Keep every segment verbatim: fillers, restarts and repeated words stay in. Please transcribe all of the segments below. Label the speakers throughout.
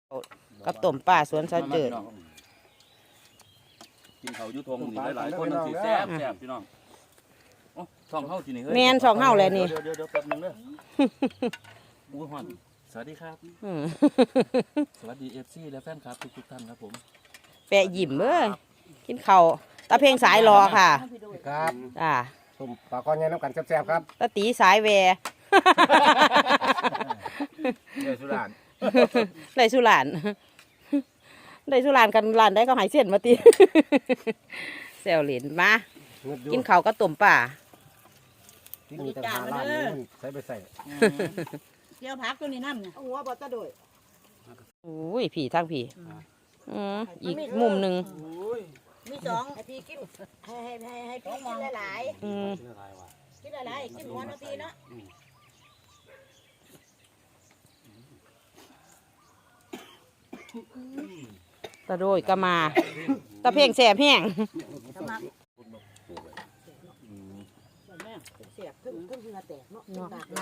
Speaker 1: กับต้มปลาสวนซาเจิด
Speaker 2: กินเขายุทงนี่หลายๆคนนั่นสิแซ่บแซ่บพี่น้องโอ้ช่องเฮาที่นี่เฮ้ย
Speaker 1: แมนสองเฮาเลยนี่
Speaker 2: เดี๋ยวเดี๋ยวเดี๋ยวแป๊บนึงเด้ออุ้ยฮอนสวัสดีครับสวัสดีเอฟซีและแฟนคลับทุกๆท่านครับผม
Speaker 1: แปะยิ้มเอ้ยกินข้าวตาเพลงสายรอค่ะ
Speaker 3: ครับ
Speaker 1: จ้า
Speaker 3: ตุ่มปลาก้อนใหญ่น้ำกันแซ่บๆครับ
Speaker 1: ตาตีสายแว
Speaker 2: ได้สุราน
Speaker 1: ได้สุรานได้สุรานกันรานได้ก็หายเส้นมาตีแซวเหรียญมากินข้าวก็ต้มป่า
Speaker 3: ที่นี่จะหาร้านนี้ใส่ไปใส่
Speaker 4: เกี่ยวผักตัวนี้น้ำเนี่ยหัวบอตะโดย
Speaker 1: อุ้ยผีทั้งผีอืมอีกมุมหนึ่ง
Speaker 4: มีสองไอพี่กินให้ให้ให้ให้พี่กินหลายๆ
Speaker 1: อืม
Speaker 4: กินหลายๆกินหัวนาทีเนาะ
Speaker 1: ตะโดยก็มาตะเพลงแสบแห้ง
Speaker 4: เสียบขึ้นขึ้นเหงื่อแตกเนาะ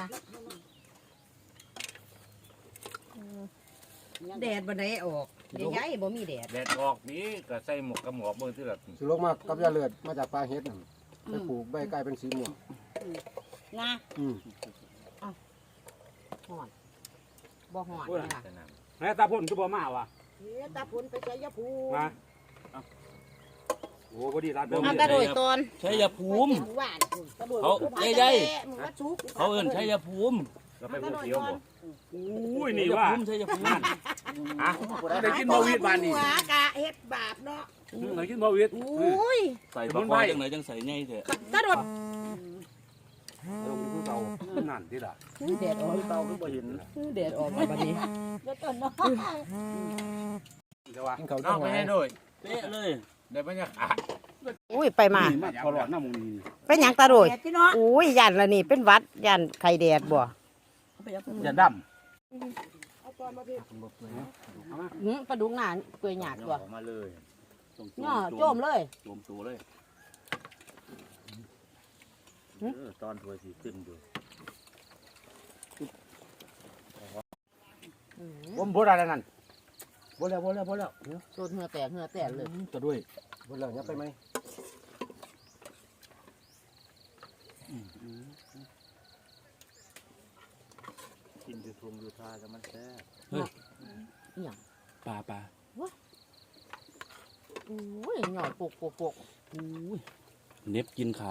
Speaker 4: แดดบันไดออกเดี๋ยวย้ายบ่มีแดด
Speaker 2: แดดออกนี้ก็ใส่หมวกกับหมวกมือที่แบบ
Speaker 3: สุรกมากกับยาเลือดมาจากปลาเฮ็ดไปปลูกใบกลายเป็นสีม่วง
Speaker 4: นะ
Speaker 3: อืม
Speaker 4: หอนบ่หอนค่ะ
Speaker 5: แม่ตาพ่นคือบ่มาวะ
Speaker 4: ตาพุ่นไปใช้ยาพู
Speaker 5: มาโอ้พอดีร้านเดิม
Speaker 1: ตะโดยตอน
Speaker 2: ใช้ยาภูมิเขาใหญ่ๆเขาเอิ้นใช้ยาภูมิ
Speaker 5: เราไปภูเขียวบ่อุ้ยนี่
Speaker 2: ว่า
Speaker 5: ว่า
Speaker 2: ใช้ยาภูมิ
Speaker 5: อ่ะได้กินบ่วิดบานนี่
Speaker 4: หัวกะเฮ็ดบาปเนาะ
Speaker 5: ได้กินบ่วิด
Speaker 4: อุ้ย
Speaker 2: ใส่บะคอยจังไหนจังใส่ไงเถอะ
Speaker 4: ตะโดด
Speaker 5: ลงที่เตานั่นที่ล่ะ
Speaker 4: แดดออก
Speaker 2: เตาคือบ่เห็น
Speaker 4: แดดออกมาบัดนี้แล้วต้นเนาะ
Speaker 3: กินเขา
Speaker 2: เอาไปให้ด้วยเป๊ะเลยได้บรรยากาศ
Speaker 1: อุ้ยไปมา
Speaker 5: ตลอดน้ำมูนี่
Speaker 1: เป็นหยังตาโดยอุ้ยยันละนี่เป็นวัดยันไข่แดดบ่
Speaker 5: อย่าดำ
Speaker 1: ปลาดุกหนาเกยหยาดตัว
Speaker 2: มาเลย
Speaker 1: เนาะโจมเลย
Speaker 2: โจมตัวเลยตอนถ้วยสีขึ้นอยู่
Speaker 5: ผมบ่ได้แล้วนั่นบ่แล้วบ่แล้วบ่แล้ว
Speaker 1: โซนเหงื่อแตกเหงื่อแตกเลย
Speaker 5: ตัวด้วย
Speaker 3: บนเหล่านี้ไปไหม
Speaker 2: กินดูทงดูทาจะมันแซ่บ
Speaker 1: เฮ้ยอย่าง
Speaker 5: ปลาปลา
Speaker 1: อุ้ยหน่อยปกปกปก
Speaker 5: อุ้ยเน็บกินขา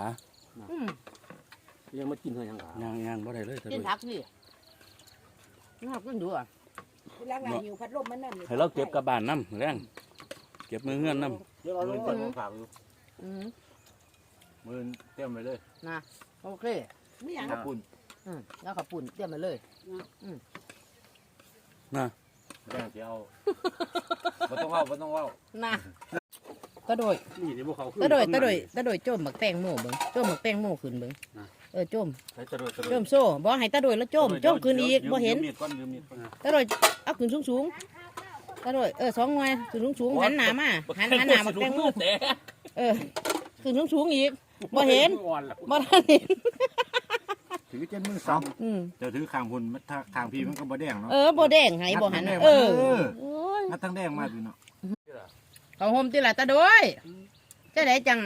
Speaker 3: ยังมากินเท่ายังขา
Speaker 5: ย่างย่างบ่ได้เลย
Speaker 1: กินผักสิน่ากินดูอ่ะ
Speaker 4: ล้างหน้าหิวพัดลมมันนั่น
Speaker 2: ให้เราเก็บกระบาลน้ำแรงเก็บมือเงื่อนน้ำ
Speaker 3: เดี๋ยวเราลงไปฝากอยู่
Speaker 2: มือเตรียมไปเลย
Speaker 1: นะโอเค
Speaker 4: ไม่อยาก
Speaker 2: ขับปุ่น
Speaker 1: แล้วขับปุ่นเตรียมไปเลย
Speaker 2: นะแรงเจียวไม่ต้องว่าไม่ต้องว่า
Speaker 1: นะตะโดยตะโดยตะโดยตะโดยโจมหมักแตงโม่เบิ้งโจมหมักแตงโม่ขึ้นเบิ้งเออโจมโจมโซ่บ่ให้ตะโดยแล้วโจมโจมขึ้นอีกบ่เห็นตะโดยเอาขึ้นสูงสูงตะโดยเออสองหน่วยขึ้นสูงสูงหันหน้ามาหันหันหน้าหมักแตงโม่เออขึ้นสูงสูงอีกบ่เห็นบ่ทันเห็น
Speaker 2: ถือเจนมือซ้ำจะถือคางหุ่นถ้าคางพีมันก็บ่แดงเนาะ
Speaker 1: เออบ่แดงให้บ่หันเออ
Speaker 2: มันทั้งแดงมาดูเนาะ
Speaker 1: เขาห่มตีละตะโดยจะได้จัง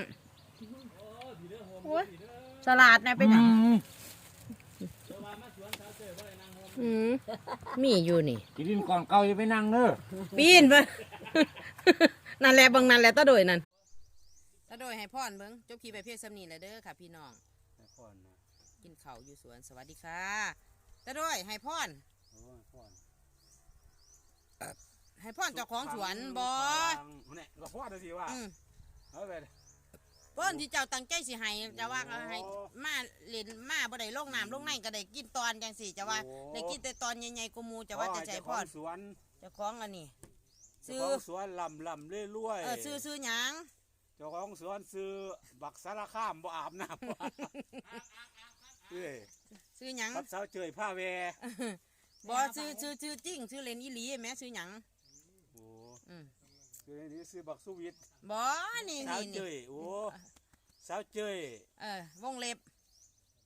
Speaker 1: สลัดนะเป็นยังมีอยู่นี่
Speaker 2: กินก่อนเก่าจะไปนั่งเนอะ
Speaker 1: ปีนไปนั่นแหละบังนั่นแหละตะโดยนั่นตะโดยให้พ่อนเบิ้งจบขี่ไปเพียรสำนีเลยเด้อค่ะพี่น้องกินข้าวอยู่สวนสวัสดีค่ะตะโดยให้พ่อนให้พ่อนเจ้าของสวนบอ
Speaker 5: เนี่ยก็พ่อเดี๋ยวสิว่าเอาไป
Speaker 1: พ่อนที่เจ้าตั้งใจสิให้จะว่าให้มาเล่นมาบ่ได้ลงน้ำลงในก็ได้กินตอนจังสิจะว่าได้กินแต่ตอนใหญ่ๆกูมูจะว่าจะใจพ่อน
Speaker 5: สวน
Speaker 1: เจ้าของอันนี้
Speaker 5: ซื้อสวนลำลำเรื่อยๆ
Speaker 1: เออซื้อซื้อหยัง
Speaker 5: เจ้าของสวนซื้อบักสารข้ามบ่อาบน้ำเอ้ย
Speaker 1: ซื้อหยัง
Speaker 5: กับสาวเจยผ้าแว
Speaker 1: บ่ซื้อซื้อซื้อจริงซื้อเล่นอีหลีแม่ซื้อหยัง
Speaker 5: โอ้คือนี่ซื้อบักสุวิท
Speaker 1: บ่นี่นี่
Speaker 5: สาวเจยโอ้สาวเจย
Speaker 1: เออวงเล็บ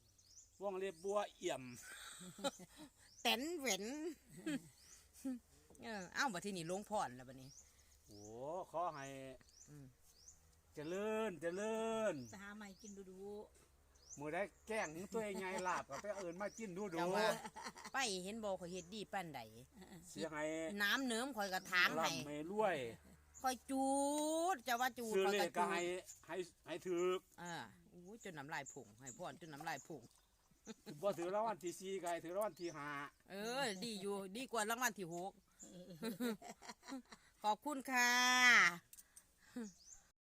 Speaker 5: วงเล็บบัวเอี่ยม
Speaker 1: เต็นเหวนเออเอ้าบัดทีนี้ลงพรแล้วบัดนี้
Speaker 5: โอ้ขอให้
Speaker 1: อืม
Speaker 5: เจริญเจริญ
Speaker 4: จะหาใหม่กินดูดู
Speaker 5: มือได้แกล้งตัวใหญ่ลาบก็ไปเอิญมากินดูดู
Speaker 1: จังว่าไปเห็นบ่ข่อยเฮ็ดดีปานใด
Speaker 5: เสียให้
Speaker 1: น้ำเนิ้มข่อยก็ทางให้
Speaker 5: ลำให้รวย
Speaker 1: ข่อยจูดจะว่าจูด
Speaker 5: ซื้อ
Speaker 1: ข่อย
Speaker 5: เล
Speaker 1: ก็
Speaker 5: ขก็
Speaker 1: จู
Speaker 5: ให้
Speaker 1: ด
Speaker 5: ให้ให้ถือ
Speaker 1: อ่าอู้จนน้ำลายผงให้พรจนน้ำลายผง
Speaker 5: บ่ถือรางวัลที่สี่ก็ให้ถือรางวัลที่ห้า
Speaker 1: เออ ดีอยู่ดีกว่ารางวัลที่หกขอบคุณค่ะ